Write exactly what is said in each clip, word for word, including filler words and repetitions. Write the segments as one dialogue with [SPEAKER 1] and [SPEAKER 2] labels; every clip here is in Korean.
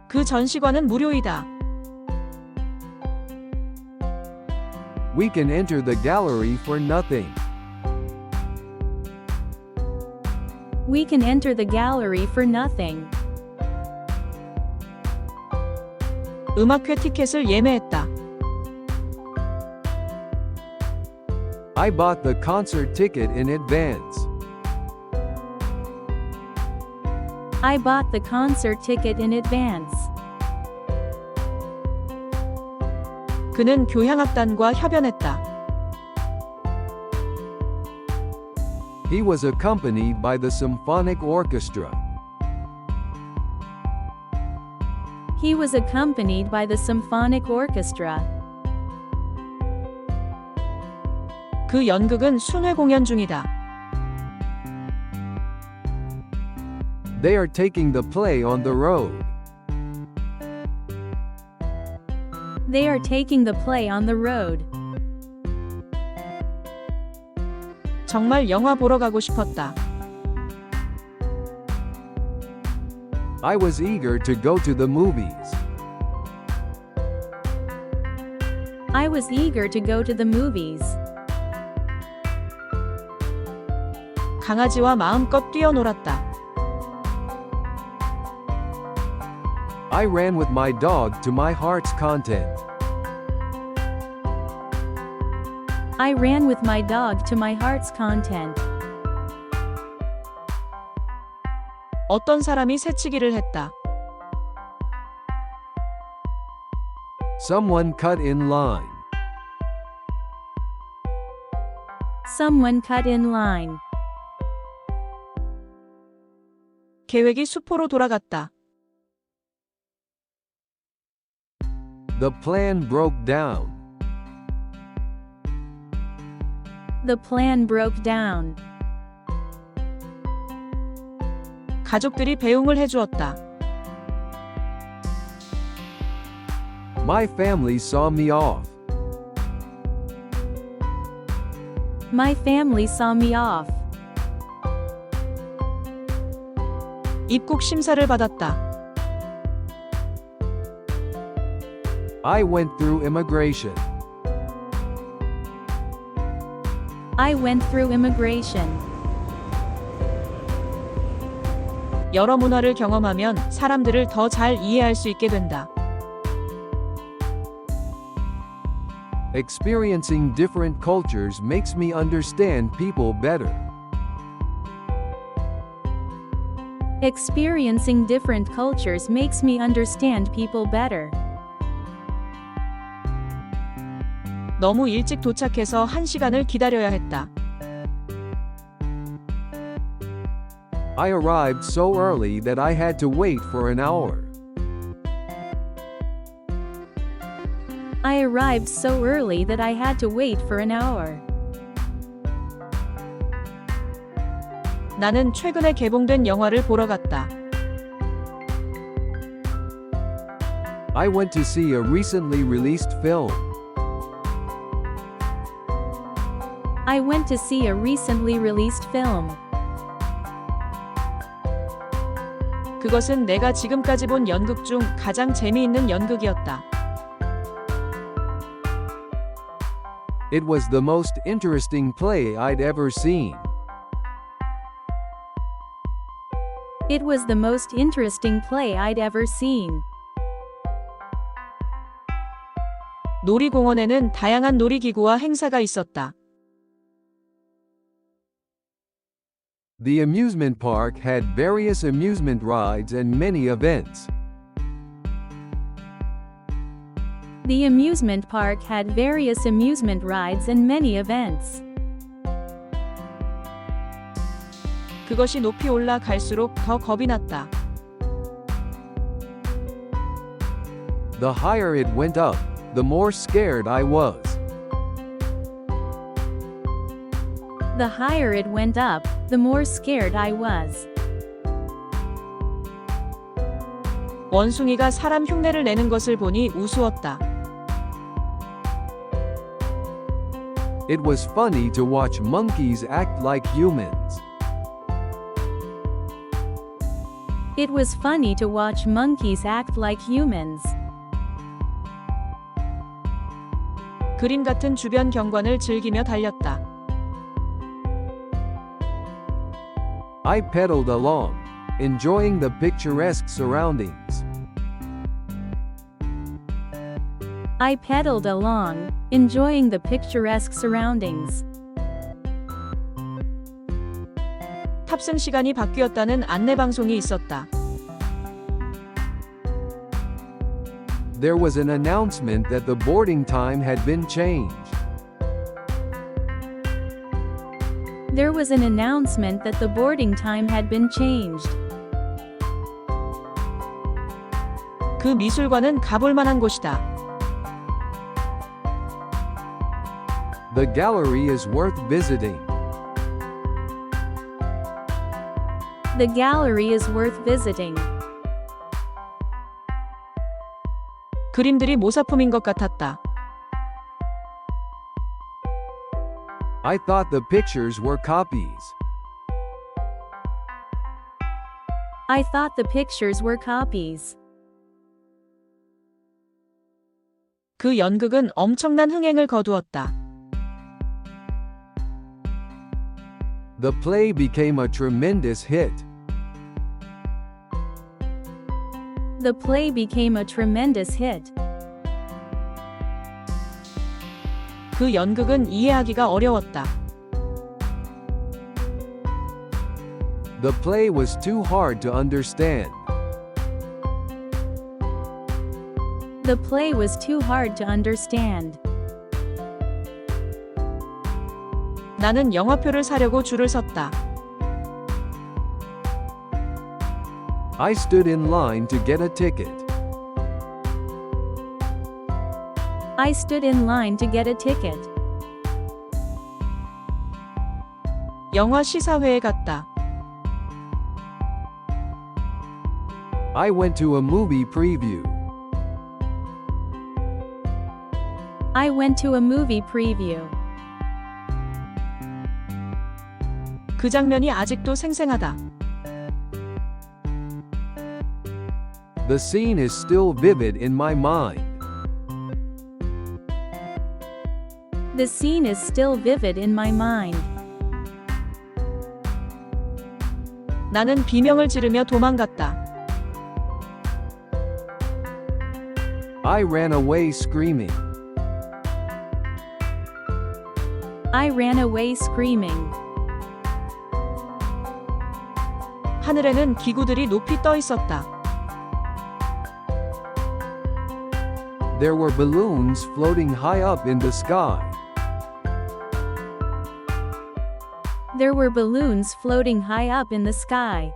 [SPEAKER 1] 그 전시관은 무료이다.
[SPEAKER 2] We can enter the gallery for nothing.
[SPEAKER 3] We can enter the gallery for nothing.
[SPEAKER 1] 음악회 티켓을 예매했다.
[SPEAKER 2] I bought the concert ticket in advance.
[SPEAKER 3] I bought the concert ticket in advance.
[SPEAKER 1] 그는 교향악단과 협연했다.
[SPEAKER 2] He was accompanied by the symphonic orchestra.
[SPEAKER 3] He was accompanied by the symphonic orchestra.
[SPEAKER 1] 그 연극은 순회 공연 중이다.
[SPEAKER 2] They are taking the play on the road.
[SPEAKER 3] They are taking the play on the road.
[SPEAKER 1] 정말 영화 보러 가고 싶었다.
[SPEAKER 2] I was eager to go to the movies.
[SPEAKER 3] I was eager to go to the movies.
[SPEAKER 1] 강아지와 마음껏 뛰어놀았다.
[SPEAKER 2] I ran with my dog to my heart's content.
[SPEAKER 3] I ran with my dog to my heart's content.
[SPEAKER 1] 어떤 사람이 새치기를 했다.
[SPEAKER 2] Someone cut in line.
[SPEAKER 3] Someone cut in line.
[SPEAKER 1] 계획이 수포로 돌아갔다.
[SPEAKER 2] The plan broke down.
[SPEAKER 3] The plan broke down.
[SPEAKER 1] 가족들이 배웅을 해주었다.
[SPEAKER 2] My family saw me off.
[SPEAKER 3] My family saw me off.
[SPEAKER 1] 입국 심사를 받았다.
[SPEAKER 2] I went through immigration.
[SPEAKER 3] I went through immigration.
[SPEAKER 1] 여러 문화를 경험하면 사람들을 더 잘 이해할 수 있게 된다.
[SPEAKER 2] Experiencing different cultures makes me understand people better.
[SPEAKER 3] Experiencing different cultures makes me understand people better.
[SPEAKER 1] 너무 일찍 도착해서 한 시간을 기다려야 했다.
[SPEAKER 2] I arrived so early that I had to wait for an hour.
[SPEAKER 3] I arrived so early that I had to wait for an hour.
[SPEAKER 1] 나는 최근에 개봉된 영화를 보러 갔다.
[SPEAKER 2] I went to see a recently released film.
[SPEAKER 3] I went to see a recently released film.
[SPEAKER 1] 그것은 내가 지금까지 본 연극 중 가장 재미있는 연극이었다.
[SPEAKER 2] It was the most interesting play I'd ever seen.
[SPEAKER 3] It was the most interesting play I'd ever seen.
[SPEAKER 1] 놀이공원에는 다양한 놀이기구와 행사가 있었다.
[SPEAKER 2] The amusement park had various amusement rides and many events.
[SPEAKER 3] The amusement park had various amusement rides and many events.
[SPEAKER 1] 그것이 높이 올라갈수록 더 겁이 났다.
[SPEAKER 2] The higher it went up, the more scared I was.
[SPEAKER 3] The higher it went up, the more scared I was.
[SPEAKER 1] 원숭이가 사람 흉내를 내는 것을 보니 우스웠다.
[SPEAKER 2] It was funny to watch monkeys act like humans.
[SPEAKER 3] It was funny to watch monkeys act like humans.
[SPEAKER 1] 그림 같은 주변 경관을 즐기며 달렸다.
[SPEAKER 2] I pedaled along, enjoying the picturesque surroundings.
[SPEAKER 3] I pedaled along, enjoying the picturesque surroundings.
[SPEAKER 1] 탑승 시간이 바뀌었다는 안내 방송이 있었다.
[SPEAKER 2] There was an announcement that the boarding time had been changed.
[SPEAKER 3] There was an announcement that the boarding time had been changed.
[SPEAKER 1] 그 미술관은 가볼 만한 곳이다.
[SPEAKER 2] The gallery is worth visiting.
[SPEAKER 3] The gallery is worth visiting.
[SPEAKER 1] 그림들이 모사품인 것 같았다.
[SPEAKER 2] I thought the pictures were copies.
[SPEAKER 3] I thought the pictures were copies.
[SPEAKER 1] 그 연극은 엄청난 흥행을 거두었다.
[SPEAKER 2] The play became a tremendous hit.
[SPEAKER 3] The play became a tremendous hit.
[SPEAKER 1] 그 연극은 이해하기가 어려웠다.
[SPEAKER 2] The play was too hard to understand.
[SPEAKER 3] The play was too hard to understand.
[SPEAKER 1] 나는 영화표를 사려고 줄을 섰다.
[SPEAKER 2] I stood in line to get a ticket.
[SPEAKER 3] I stood in line to get a ticket.
[SPEAKER 1] 영화 시사회에 갔다.
[SPEAKER 2] I went to a movie preview.
[SPEAKER 3] I went to a movie preview.
[SPEAKER 1] 그 장면이 아직도 생생하다.
[SPEAKER 2] The scene is still vivid in my mind.
[SPEAKER 3] The scene is still vivid in my mind.
[SPEAKER 1] 나는 비명을 지르며 도망갔다.
[SPEAKER 2] I ran away screaming.
[SPEAKER 3] I ran away screaming.
[SPEAKER 1] 하늘에는 기구들이 높이 떠 있었다.
[SPEAKER 2] There were balloons floating high up in the sky.
[SPEAKER 3] There were balloons floating high up in the sky.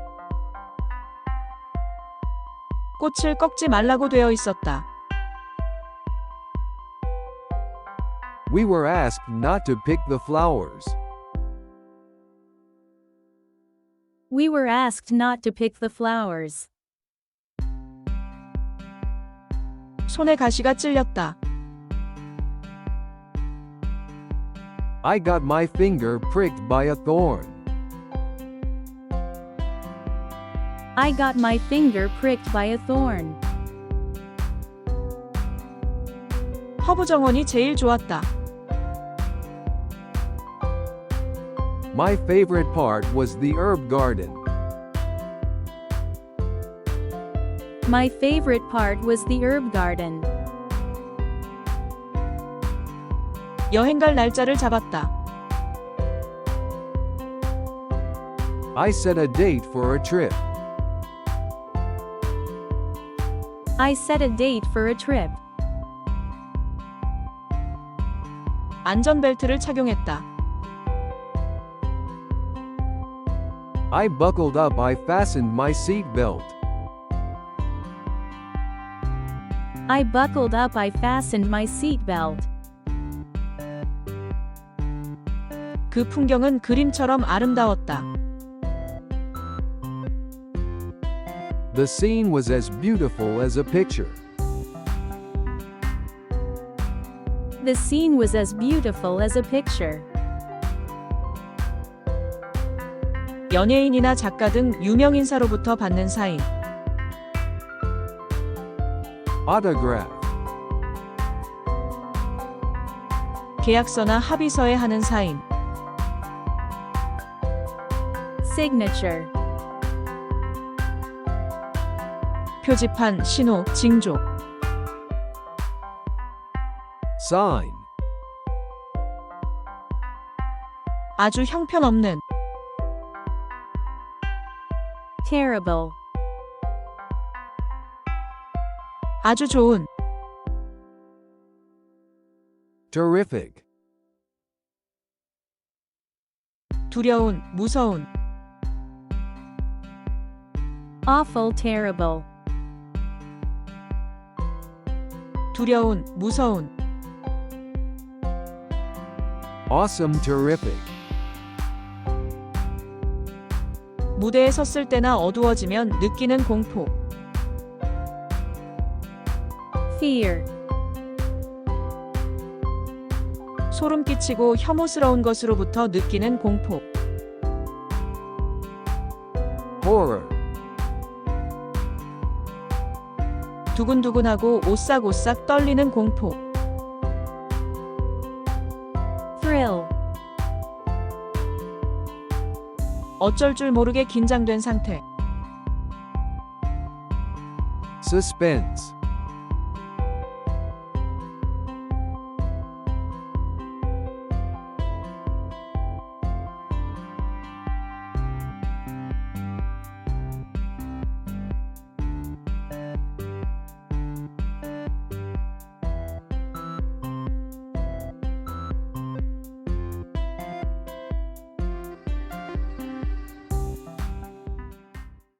[SPEAKER 1] 꽃을 꺾지 말라고 되어 있었다.
[SPEAKER 2] We were asked not to pick the flowers.
[SPEAKER 3] We were asked not to pick the flowers.
[SPEAKER 1] 손에 가시가 찔렸다.
[SPEAKER 2] I got my finger pricked by a thorn.
[SPEAKER 3] I got my finger pricked by a thorn.
[SPEAKER 1] 허브 정원이 제일 좋았다.
[SPEAKER 2] My favorite part was the herb garden.
[SPEAKER 3] My favorite part was the herb garden.
[SPEAKER 1] 여행 갈 날짜를 잡았다.
[SPEAKER 2] I set a date for a trip.
[SPEAKER 3] I set a date for a trip.
[SPEAKER 1] 안전벨트를 착용했다.
[SPEAKER 2] I buckled up. I fastened my seat belt.
[SPEAKER 3] I buckled up. I fastened my seat belt.
[SPEAKER 1] 그 풍경은 그림처럼 아름다웠다.
[SPEAKER 2] The scene was as beautiful as a picture.
[SPEAKER 3] The scene was as beautiful as a picture.
[SPEAKER 1] 연예인이나 작가 등 유명 인사로부터 받는 사인.
[SPEAKER 2] Autograph.
[SPEAKER 1] 계약서나 합의서에 하는 사인.
[SPEAKER 3] signature,
[SPEAKER 1] 표지판, 신호, 징조.
[SPEAKER 2] Sign.
[SPEAKER 1] 아주 형편없는.
[SPEAKER 3] terrible,
[SPEAKER 1] 아주 좋은.
[SPEAKER 2] Terrific.
[SPEAKER 1] 두려운, 무서운.
[SPEAKER 3] awful terrible,
[SPEAKER 1] 두려운, 무서운.
[SPEAKER 2] Awesome terrific.
[SPEAKER 1] 무대에 섰을 때나 어두워지면 느끼는 공포.
[SPEAKER 3] fear,
[SPEAKER 1] 소름 끼치고 혐오스러운 것으로부터 느끼는 공포.
[SPEAKER 2] Horror.
[SPEAKER 1] 두근두근하고 오싹오싹 떨리는 공포.
[SPEAKER 3] thrill,
[SPEAKER 1] 어쩔 줄 모르게 긴장된 상태.
[SPEAKER 2] Suspense.